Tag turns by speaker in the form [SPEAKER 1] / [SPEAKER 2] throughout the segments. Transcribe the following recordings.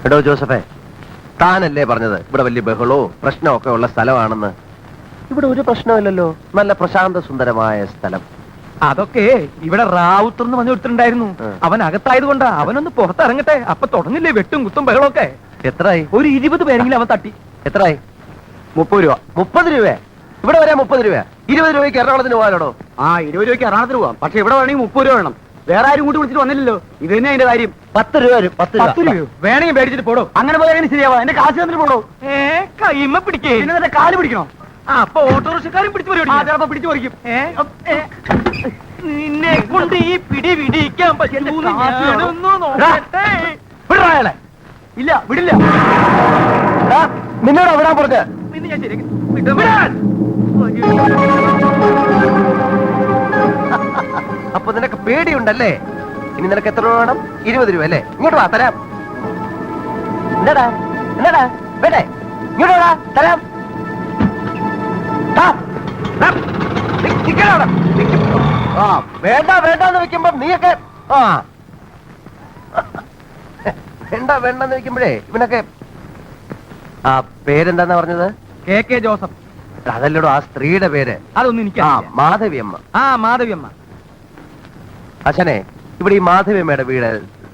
[SPEAKER 1] എടോ ജോസഫേ, താനല്ലേ പറഞ്ഞത് ഇവിടെ വലിയ ബഹളവും പ്രശ്നമൊക്കെ ഉള്ള സ്ഥലമാണെന്ന്? ഇവിടെ ഒരു പ്രശ്നമില്ലല്ലോ, നല്ല പ്രശാന്ത സുന്ദരമായ സ്ഥലം.
[SPEAKER 2] അതൊക്കെ ഇവിടെ റാവുത്തർ എന്ന് പറഞ്ഞു കൊടുത്തിട്ടുണ്ടായിരുന്നു. അവൻ അകത്തായത് കൊണ്ടാ. അവനൊന്ന് പുറത്തിറങ്ങട്ടെ, അപ്പൊ തുടങ്ങില്ലേ വെട്ടും കുത്തും ബഹളമൊക്കെ.
[SPEAKER 1] എത്രയായി?
[SPEAKER 2] ഒരു 20 പേരെങ്കിലും അവൻ തട്ടി.
[SPEAKER 1] എത്രയായി?
[SPEAKER 2] 30 രൂപ.
[SPEAKER 1] 30 രൂപ? ഇവിടെ വരാൻ 30 രൂപ? 20 രൂപയ്ക്ക് എറണാകുളത്തിന് പോകാനോ?
[SPEAKER 2] 20 രൂപയ്ക്ക് എറണാകുളത്തിന് പോവാം. പക്ഷെ ഇവിടെ വേണമെങ്കിൽ 30 രൂപ വേണം. വേറെ ആരും കൂട്ടി വിളിച്ചിട്ട് വന്നില്ലല്ലോ. ഇത് തന്നെ അതിന്റെ കാര്യം.
[SPEAKER 1] 10 രൂപ വരും.
[SPEAKER 2] 10 രൂപ വേണമെങ്കിൽ മേടിച്ചിട്ട് പോടോ. അങ്ങനെ പോയാൽ ശരിയാവാ. എന്റെ കാശ് തന്നിട്ട് പോടോ. കൈമ പിടിക്കേ, പിന്നെ കാല് പിടിക്കണോ? അപ്പൊ ഓട്ടോറിക്ഷക്കാരും പിടിച്ചു ചിലപ്പോ പിടിച്ചു പറിക്കും. നിന്നെ കൊണ്ട് ഈ പിടി പിടിക്കാൻ പറ്റുമോ? ഇല്ല, വിടില്ല.
[SPEAKER 1] നിന്നോട് വിടാൻ പറഞ്ഞ
[SPEAKER 2] പിന്നെ ഞാൻ ശരി.
[SPEAKER 1] അപ്പൊ നിനക്ക് പേടിയുണ്ടല്ലേ? ഇനി നിനക്ക് എത്ര രൂപ വേണം? 20 രൂപ അല്ലേ? ഇങ്ങോട്ട് വാ, തരാം. എന്താടാ എന്താടാ വേണ്ടേ? ഇങ്ങോട്ട് വാ, തരാം. വേണ്ട വേണ്ടെന്ന് വെക്കുമ്പോ നീയൊക്കെ വേണ്ട വേണ്ടെന്ന് വെക്കുമ്പോഴേ ഇവനൊക്കെ. ആ പേരെന്താന്നാ പറഞ്ഞത്?
[SPEAKER 2] KK Joseph.
[SPEAKER 1] അതല്ലടോ ആ സ്ത്രീയുടെ പേര്.
[SPEAKER 2] അതൊന്നും എനിക്ക്
[SPEAKER 1] മാധവിയമ്മ.
[SPEAKER 2] മാധവിയമ്മ.
[SPEAKER 1] അച്ഛനെ, ഇവിടെ ഈ മാധവിയമ്മയുടെ വീട്.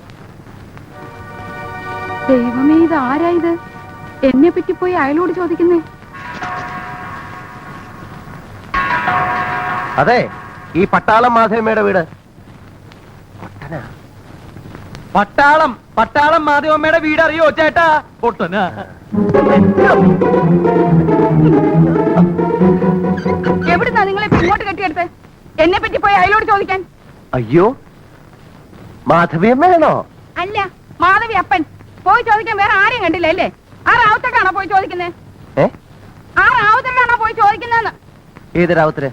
[SPEAKER 3] ദൈവമേ, ഇത് ആരാ ഇത്? എന്നെ പറ്റി പോയി അയലോട് ചോദിക്കുന്നേ.
[SPEAKER 1] അതെ, ഈ പട്ടാളം മാധവിയമ്മയുടെ വീട്.
[SPEAKER 2] പട്ടാളം മാധവമ്മയുടെ വീട് അറിയോ ചേട്ടാ? പൊട്ടനാ.
[SPEAKER 3] എവിടുന്നാ നിങ്ങളെ ഇങ്ങോട്ട് കെട്ടിയെടുത്ത് എന്നെ പറ്റി പോയി അയലോട് ചോദിക്കാൻ?
[SPEAKER 1] അയ്യോ, മാധവിയമ്മയാണോ?
[SPEAKER 3] അല്ല, മാധവി അപ്പൻ. പോയി ചോദിക്കാൻ വേറെ ആരെയും കണ്ടില്ല അല്ലേ? ആ റാവുത്തക്കാണോ പോയി ചോദിക്കുന്നേ? ആ റാവുത്തക്കാണോ പോയി ചോദിക്കുന്നേന്ന്?
[SPEAKER 1] ഏത് റാവുത്തര്?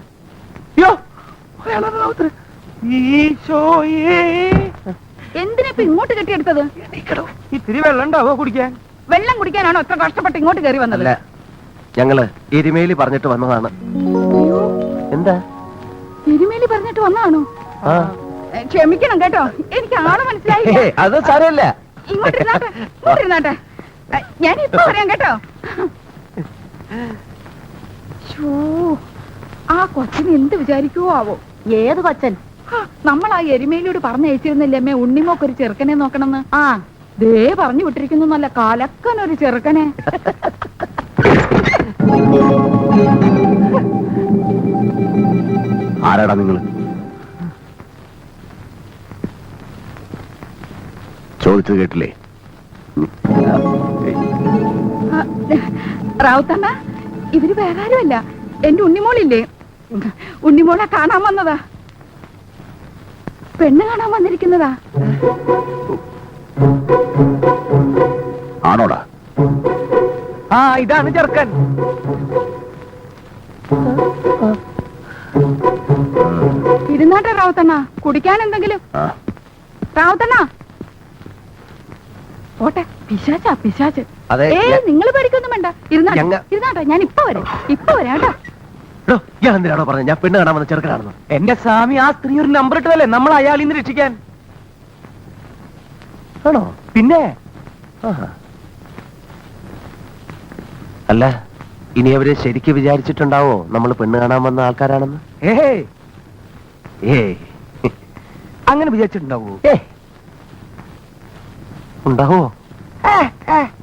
[SPEAKER 3] എന്തിനാ ഇങ്ങോട്ട് കെട്ടിയെടുത്തത്?
[SPEAKER 2] ഇത്തിരി വെള്ളം ഉണ്ടാവോ കുടിക്കാൻ?
[SPEAKER 3] വെള്ളം കുടിക്കാനാണോ ഇത്ര കഷ്ടപ്പെട്ട് ഇങ്ങോട്ട് കയറി വന്നത്?
[SPEAKER 1] അല്ല, ഞങ്ങള് എരുമേലി പറഞ്ഞിട്ട് വന്നതാണ്. എന്താ
[SPEAKER 3] എരുമേലി പറഞ്ഞിട്ട് വന്നതാണോ? ക്ഷമിക്കണം കേട്ടോ, എനിക്ക് ആള് മനസ്സിലായി.
[SPEAKER 1] അത് സാരമില്ല.
[SPEAKER 3] ഇങ്ങോട്ടിരുന്നാട്ടെ, ഞാൻ ഇപ്പൊ പറയാം കേട്ടോ. ആ കൊച്ചിന് എന്ത് വിചാരിക്കുവോ ആവോ? ഏത് കൊച്ചൻ? നമ്മൾ ആ എരുമേലിയോട് പറഞ്ഞയച്ചിരുന്നില്ലേ അമ്മേ, ഉണ്ണിമോക്കൊരു ചെറുക്കനെ നോക്കണമെന്ന്? ദേ പറഞ്ഞു വിട്ടിരിക്കുന്നു, നല്ല കലക്കനൊരു ചെറുക്കനെ.
[SPEAKER 1] ആരാടാ നിങ്ങള്? ചോദിച്ചത് കേട്ടില്ലേ?
[SPEAKER 3] റാവുത്തമ്മ, ഇവര് വേറെ ആരുമല്ല, എന്റെ ഉണ്ണിമോളില്ലേ, ഉണ്ണിമോളെ കാണാൻ വന്നതാ. പെണ്ണ് കാണാൻ വന്നിരിക്കുന്നതാ.
[SPEAKER 1] ആണോടാ?
[SPEAKER 2] ഇതാണ് ചെറുക്കൻ.
[SPEAKER 3] ഇരുന്നാട്ടെ റാവുത്തണ്ണ, കുടിക്കാൻ എന്തെങ്കിലും. റാവുത്തണ്ണ ഓട്ടെ. പിശാച്ചാ പിശാച്ച്. നിങ്ങൾ പേടിക്കൊന്നും വേണ്ട, ഇരുന്നാട്ടെ, ഞാൻ ഇപ്പൊ വരാം കേട്ടോ.
[SPEAKER 1] എന്തിനാണോ പറഞ്ഞത് ഞാൻ പെണ്ണ് കാണാൻ വന്ന ചെറുക്കനാണെന്ന്?
[SPEAKER 2] എന്റെ സ്വാമി, ആ സ്ത്രീ ഒരു നമ്പർ ഇട്ടതല്ലേ നമ്മൾ അയാളിൽ നിന്ന് രക്ഷിക്കാൻ.
[SPEAKER 1] ആണോ?
[SPEAKER 2] പിന്നെ
[SPEAKER 1] അല്ല, ഇനി അവര് ശരിക്ക് വിചാരിച്ചിട്ടുണ്ടാവോ നമ്മൾ പെണ്ണ് കാണാൻ വന്ന ആൾക്കാരാണെന്ന്?
[SPEAKER 2] അങ്ങനെ വിചാരിച്ചിട്ടുണ്ടാവോ?
[SPEAKER 1] ഉണ്ടാവോ?